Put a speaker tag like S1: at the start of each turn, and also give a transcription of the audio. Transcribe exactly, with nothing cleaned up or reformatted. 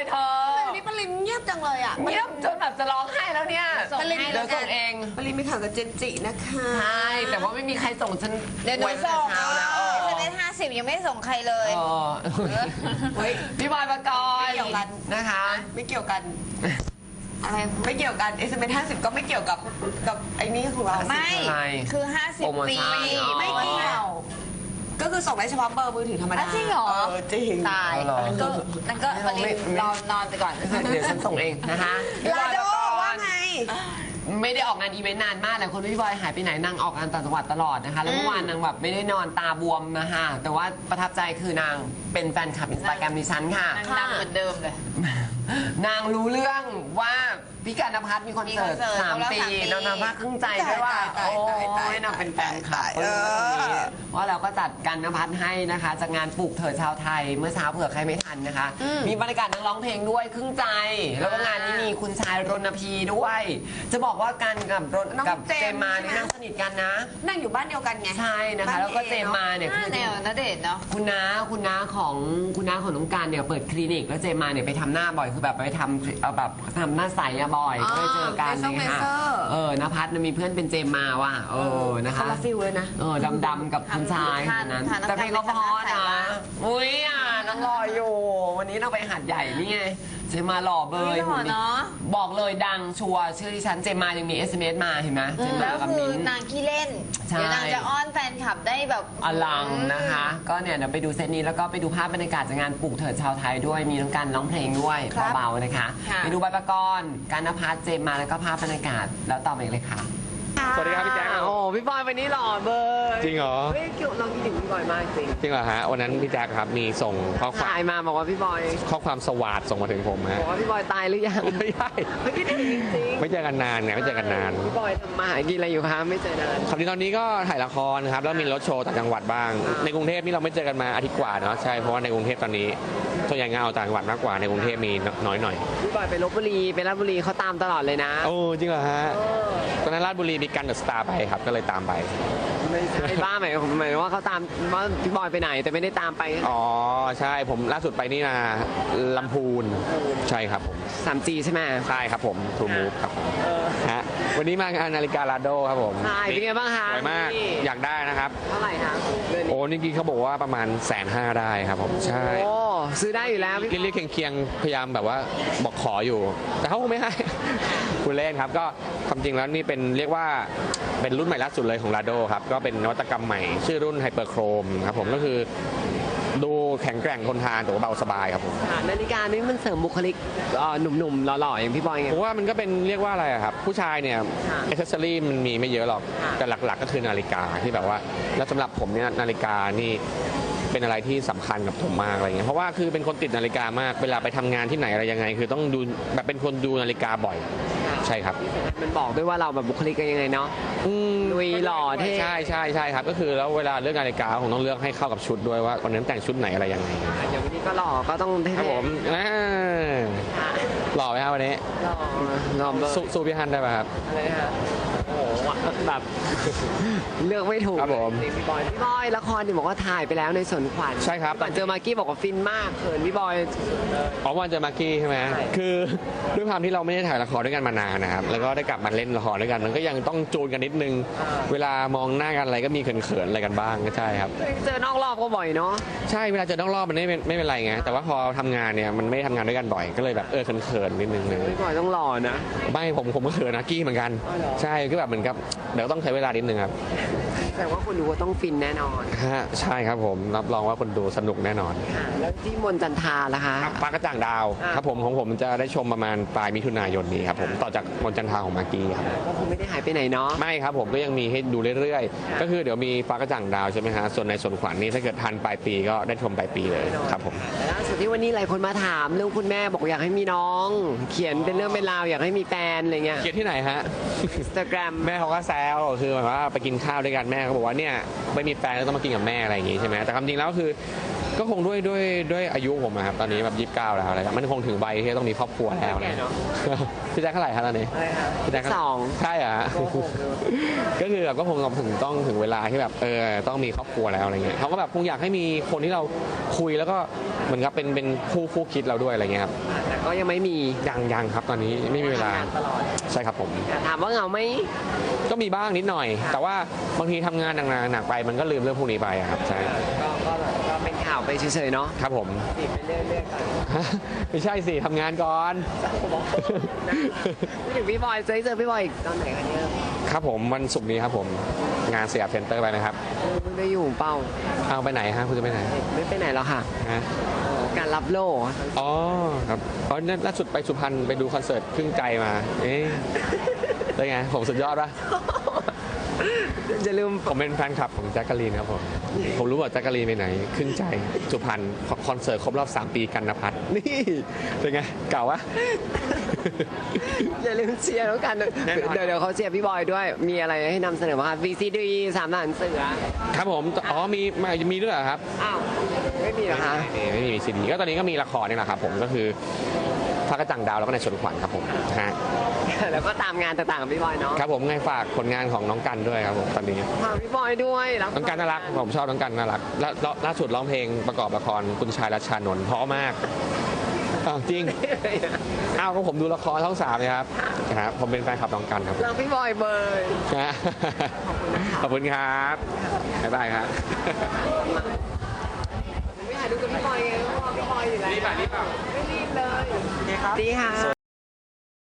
S1: เธอ
S2: วันนี้ปริมเงียบจังเลยอ่ะ
S1: เงียบจนแบบจะร้องไห้แล้วเนี่ย
S2: ปริม
S1: เดี๋ยวส่งเอง
S2: ปริมไปข่าวกับเจนจินะคะ
S1: ใช่แต่ว่าไม่มีใครส่งฉัน
S3: เดี๋ยวหนูส่ง
S1: เช้าแล้ว
S3: เอสเอ็มเอสห้าสิบยังไม่ส่งใครเลย
S1: เออเฮ้ยพี่บอยปกรณ์นะคะ
S2: ไม่เกี่ยวกันอะไรไม่เกี่ยวกัน เอส เอ็ม เอส ห้าสิบก็ไม่เกี่ยวกับกับไอ้นี่ของเรา
S3: ไม่ คือห้าสิบ
S1: โปรโม
S3: ปี
S1: ชั่นอ๋อ
S2: ไม่เกี่ยวก็คือส่งได้เฉพาะเบอร์มือถือธรรมดา
S3: อ่ะจริงเหรอ
S2: เออจริง
S3: ตาย
S1: เอาเหรอ
S3: นั่นก็นั่นก็ปริมรอนอนไปก่อน
S1: เดี๋ยวฉันส่งเองนะคะพี่บ
S2: ลา
S1: อย
S2: โด
S1: ปกรณ์
S2: ว่าไง
S1: ไม่ได้ออกงานอีเวนต์นานมากแต่คนพี่บอยหายไปไหนนางออกงานต่างจังหวัดตลอดนะคะแล้วเมื่อวานนางแบบไม่ได้นอนตาบวมนะคะแต่ว่าประทับใจคือนางเป็นแฟนคลับอินสตาแกรมดิฉันค่ะ
S3: นั่งเหมือนเดิมเลย
S1: นางรู้เรื่องว่าพี่การณพัฒน์มีคอนเสิร์ต
S3: มีคอนเสิร์ต
S1: สาม
S3: ครบรอบ
S1: ปี
S3: สามปี
S1: แล้วนางภาคครึ่งใจด้วยว่า
S2: ตาย
S1: โอ้
S2: ตายตาย
S1: ยนางเป็นแฟนคลับ
S2: เออ
S1: ว่าเราก็จัดการณพัฒน์ให้นะคะจากงานปลูกเถิดชาวไทยเมื่อเช้าเผื่อใครไม่ทันนะคะ มีบรรยากาศนักร้องเพลงด้วยครึ่งใจ แล้วก็งานนี้มีคุณชายรณพีด้วย จะบอกว่าการกับรณ
S2: น้อง
S1: กับ
S2: เจ
S1: เจ
S2: ม
S1: ม
S2: ส์
S1: มานี่
S2: ใช่ไหม
S1: นั่งสนิทกันนะ
S2: นั่งอยู่บ้านเดียวกันไง
S1: ใช่นะคะแล้วก็เจมมาเนี่ย
S3: หน้า
S1: คือ
S3: แนวณเดชน์เนาะ
S1: คุณน้าคุณน้าของคุณน้าของน้องการเนี่ยเปิดคลินิกแล้วเจมมาเนี่ยไปทำหน้าบ่อยคือแบบไปทำเอาแบบทำหน้าใสอะบ่อยก็เลยเจอกัน
S2: เลเซอร์
S1: เลยค่ะ
S2: เลเซอร์
S1: เออนภัสมีเพื่อนเป็นเจมมาว่ะเออนะคะ
S2: คนละฟิลเลยนะ
S1: เออดำๆกับคุณชายคนนั้น
S3: ทานทาน
S1: แต่เพลงก็เพราะ
S3: ทาน
S1: นะ
S3: ทาน
S1: อุ้ยอ่ะน้องรออยู่ วันนี้เราไปหาดใหญ่นี่ไงเจมมาหล่อเบ
S3: เฮ้
S1: ย
S3: ยหล่อเนอะ
S1: บอกเลยดังชัวร์ชื่อดิฉันเจมมายังมี เอส เอ็ม เอส มาเห็นไหมเจมมา
S3: แล้ว
S1: กับ
S3: คื
S1: มิ้
S3: อน นางขี้เล่น
S1: ใช่
S3: เดี๋ยวนางจะอ้อนแฟนคลับได้แบบ
S1: อลังนะคะ ก็เนี่ยเดี๋ยวไปดูเซตนี้แล้วก็ไปดูภาพบรรยากาศจากงานปลูกเถิดชาวไทยด้วยมีทั้งการร้องเพลงด้วย
S2: ครับ
S1: เบาๆนะคะ
S3: ค่ะ
S1: ไปดูใบประกรณ์การณพัฒน์เจมมาแล้วก็ภาพบรรยากาศแล้วต่อไปเลยค่ะ
S4: สวัสดีครับพี่แจ๊ค
S1: โอ้พี่บอยวันนี้หล่อเบย
S4: จริงเหรอ
S1: เฮ้ยเราคิดถึงพี่บอยมากจริง
S4: จริงเหรอฮะวันนั้นพี่แจ๊คครับมีส่งข้อความ
S1: ถ่ายมาบอกว่าพี่บอย
S4: ข้อความสวาดส่งมาถึงผม
S1: บ
S4: ฮะ
S1: อกว่าพี่บอยตายหรือยัง
S4: ไม่ใช่
S1: ไม่คิดถึงจริงๆ
S4: ไม่เจอกันนานเนี่ยไม่เจอกันนาน
S1: พี่บอยทำมาหากินอะไรอยู่คะไม่เจอนาน
S4: คราวนี้ตอนนี้ก็ถ่ายละครครับแล้วมีรถโชว์ต่างจังหวัดบ้าง
S1: อ่า
S4: ในกรุงเทพนี่เราไม่เจอกันมาอาทิตย์กว่าเนาะใช่เพราะว่าในกรุงเทพตอนนี้ส่วนใหญ่งานเอาต่างจังหวัดมากกว่าในกรุงเทพมีน้อยหน่อย
S1: พี่บอยไปลบบุรีไปราชบุรีเขาตามตลอดเลยนะ
S4: โอ้จริงเหรอฮะตอนนั้นราชบุรีมีกันเดอะสตาร์ไปครับก็เลยตามไป
S1: ไม่ใช่บ้าหมายหมายว่าเขาตามว่าพี่บอยไปไหนแต่ไม่ได้ตามไป
S4: อ๋อใช่ผมล่าสุดไปนี่นะลำพูนใช่ครับผม
S1: สามจีใช่ไหม
S4: ใช่ครับผมทูมูฟครับผมฮะวันนี้มางานนาฬิกาลาโดครับผม
S1: ใช่เป็นไงบ้างคะ
S4: สวยมาก
S1: นี่
S4: อยากได้นะครับ
S1: เท่าไหร่คะเดือนนี้
S4: โอ้นี่กี้เขาบอกว่าประมาณแสนห้าได้ครับผมใช่
S1: โอ้ซื้อได้อยู่แล้วพี่
S4: เรียกๆเคียงๆพยายามแบบว่าบอกขออยู่ แต่เขาคงไม่ให้ คุณเล่นครับก็ความจริงแล้วนี่เป็นเรียกว่าเป็นรุ่นใหม่ล่าสุดเลยของลาโดครับก็เป็นนวัตกรรมใหม่ ชื่อรุ่นไฮเปอร์โครมครับผมก็คือดูแข็งแกร่งทนทานแต่ว่าเบาสบายครับผม
S1: ค่ะนาฬิกานี่มันเสริมบุคลิกเอ่อหนุ่มๆหล่อๆอย่างพี่บอยไง
S4: ผมว่ามันก็เป็นเรียกว่าอะไรอะครับผู้ชายเนี่ย
S1: ค่ะ
S4: อ c เซสซอรี่มันมีไม่เยอะหรอก
S1: ค่ะ
S4: แต่หลักๆก็คือนาฬิกาที่แบบว่า แล้วสำหรับผมเนี่ยนาฬิกานี่เป็นอะไรที่สำคัญกับผมมากอะไรเงี้ยเพราะว่าคือเป็นคนติดนาฬิกามากเวลาไปทำงานที่ไหนอะไรยังไง คือต้องดูแบบเป็นคนดูนาฬิกาบ่อย ใช่ครับ
S1: มันบอกด้วยว่าเราแบบบุคลิกกันยังไงเนาะ
S4: อืม
S1: ลุยหล่อเท่
S4: ใช่ใช่ใช่ครับก็คือแล้วเวลาเลือกนาฬิกาผมต้องเลือกให้เข้ากับชุดด้วยว่าวันนั้นแต่งชุดไหนอะไรยังไง
S1: อย่างวันนี้ก็หล่อก็ต้องเท่ๆ
S4: ครับผมอ่า
S1: ค่ะ
S4: หล่อไหมครับวันนี้
S1: หล่อหล่อเบอร์
S4: สู้สู้พี่ฮันได้ไหมครับ
S1: อะไรฮะโอ้โหแบบ เลือกไม่ถูก
S4: ครับผม
S1: จริงๆพี่บอยพี่บอยละครนี่บอกว่าถ่ายไปแล้วในสวนขวัญ
S4: ใช่ครับ
S1: ก่อนเจอมากกี้บอกว่าฟินมากเขินพี่บอย
S4: อ๋อวันเจอมากกี้ใช่ไหม
S1: ใช่
S4: คือด้วยความที่เราไม่ได้ถ่ายละครด้วยกันมานานนะครับ แล้วก็ได้กลับมาเล่นละครด้วยกัน มันก็ยังต้องจูนกันนิดนึง เวลามองหน้ากันอะไรก็มีเขินๆอะไรกันบ้างก็ใช่ครับ
S1: เจอนอกรอบก็บ่อยเนาะ
S4: ใช่ เวลาเจอต้องรอบมันไม่เป็นไม่เป็นไรไง แต่ว่าพอทำงานเนี่ยมันไม่ได้ทำงานด้วยกันบ่อย ก็เลยแบบเออเขินๆนิดนึงเลย
S1: พี่บอยต้องหล่อนะ
S4: ไม่ผมผมก็เขินนะกี้เหมือนกัน
S1: อ๋อเหรอ
S4: ใช่ก็แบบเหมือนกับเดี๋ยวต้องใช้เวลานิดนึงครับ
S1: แต่ว่าคนดูก็ต้องฟินแน่นอน
S4: ฮะใช่ครับผมรับรองว่าคนดูสนุกแน่นอน
S1: ค่ะแล้วที่มนต์จันทราล่ะคะ
S4: ปลากระจ่างดาว
S1: อ่า
S4: ครับผมของผมจะได้ชมประมาณปลายมิถุนายนนี้ครับผมต่อจากมนต์จันทราของมากกี้ครับ
S1: ก็คงไม่ได้หายไปไหนเนาะ
S4: ไม่ครับผมก็ยังมีให้ดูเรื่อย
S1: ค่ะ
S4: ๆ ก็คือเดี๋ยวมีฟ้ากระจ่างดาวใช่ไหมฮะส่วนในส่วนขวัญนี่ถ้าเกิดทันปลายปีก็ได้ชมปลายปีเลยครับผม
S1: แต่ล่าสุดที่วันนี้หลายคนมาถามเรื่องคุณแม่บอกอยากให้มีน้อง เขียนเป็นเรื่องเป็นราวอยากให้มีแฟนอะไรเงี้ย
S4: เขียนที่ไหนฮะ
S1: อินสตาแกรม
S4: แม่เขาก็แซวคือหมายว่าไปกินข้าวด้วยกันแม่เขาบอกว่าเนี่ยไม่มีแฟนก็ต้องมากินกับแม่อะไรอย่างงี้ใช่ไหมแต่ความจริงแล้วคือก็คงด้วยด้วยด้วยอายุผมอะครับตอนนี้แบบยี่สิบเก้าแล้วอะไรครับมันคงถึงใบที่ต้องมีครอบครัวแล้วนะ พี่แจ๊คเท่าไหร่ครับตอนนี้
S1: อะไรคะ
S4: พี่แจ๊ค
S1: สอง
S4: ใช่เหรอ
S1: โกหกเลย
S4: ก็คือแบบก็คงถึงต้องถึงเวลาที่แบบเออต้องมีครอบครัวแล้วอะไรเงี้ยเขาก็แบบคงอยากให้มีคนที่เราคุยแล้วก็เหมือนกับเป็นเป็นคู่คู่คิดเราด้วยอะไรเงี้ยครับ
S1: แต่ก็ยังไม่มี
S4: ยังยังครับตอนนี้ไม่มีเวลา
S1: ทำงนตลอด
S4: ใช่ครับผม
S1: แต่ถามว่าเหงาไหม
S4: ก็มีบ้างนิดหน่อย แต่ว่าบางทีทำงานหนักๆหนักไปมันก็ลืมเรื่องพวกนี้ไปอะครับใช่
S1: ก็ก็ก็เป็นข่าวไปเฉยๆเนาะ
S4: ครับผม
S1: ติดไปเรื่อยๆกัน
S4: ไม่ใช่สิทำงานก่อน
S1: พูดถึงพี่บอยเจอเจอพี่บอยอีกตอนไหนคะเนี่ย
S4: ครับผมวันศุกร์นี้ครับผมงานสยามเซ็นเตอร์ไปไหมครับ
S1: ไม่ได้อยู่เป้า
S4: เอาไปไหนฮะคุณจะไปไหน
S1: ไม่ไปไหนแล้วค่ะ
S4: ฮะ
S1: การรับโล่
S4: อ๋อครับเพราะล่าสุดไปสุพรรณไปดูคอนเสิร์ตครึ่งใจมา เอ๊ะเป็นไงผมสุดยอดปะ
S1: อย่าลืม
S4: ผมเป็นแฟนคลับของแจ็คกะลีนครับผมผมรู้ว่าแจ็คกะลีนไปไหนครึ่งใจสุพรรณคอนเสิร์ตครบรอบสามปีกันนภัทรนี่เป็นไงเก่าวะ
S1: อย่าลืมเชียร์แล้วกัน
S4: แน่นอน
S1: เดี๋ยวเดี๋ยวเขาเชียร์พี่บอยด้วย มีอะไรให้นำเสนอบ้างคะ วี ซี ดี สามหลานเสือ
S4: ครับผมอ๋อมีมามีด้วยเหรอครับ
S1: อ้าว ไม่มีเหรอคะ
S4: ไม่มีไม่มีซีดีก็ตอนนี้ก็มีละครนี่แหละครับผมก็คือพระกระจังดาวแล้วก็ในสวนขวัญครับผมฮะ
S1: แล้วก็ตามงานต่างๆกับพี่บอยเนาะ
S4: ครับผมไงฝากผลงานของน้องกันด้วยครับผมตอนนี้
S1: ฝากพี่บอยด้วยรั
S4: น้องกันน่ารักผมชอบน้องกันน่ารักและและล่าสุดร้องเพลงประกอบละครคุณชายรัชชานนท์เพราะมากอ้าวจริงอ้าวก็ผมดูละครช่องสามเลยครับครับผมเป็นแฟนคลับน้องกันครับ
S1: รักพี่บอยเบย
S4: นะขอบคุณครับบ๊ายบายครับ
S1: ไม่ถ่ายดูกับพี่บอยไงเพราะว่าพี่บอยอยู่แล้ว
S4: รีบป่ะรีบป่ะ
S1: ไม่รีบเลยดีค่ะ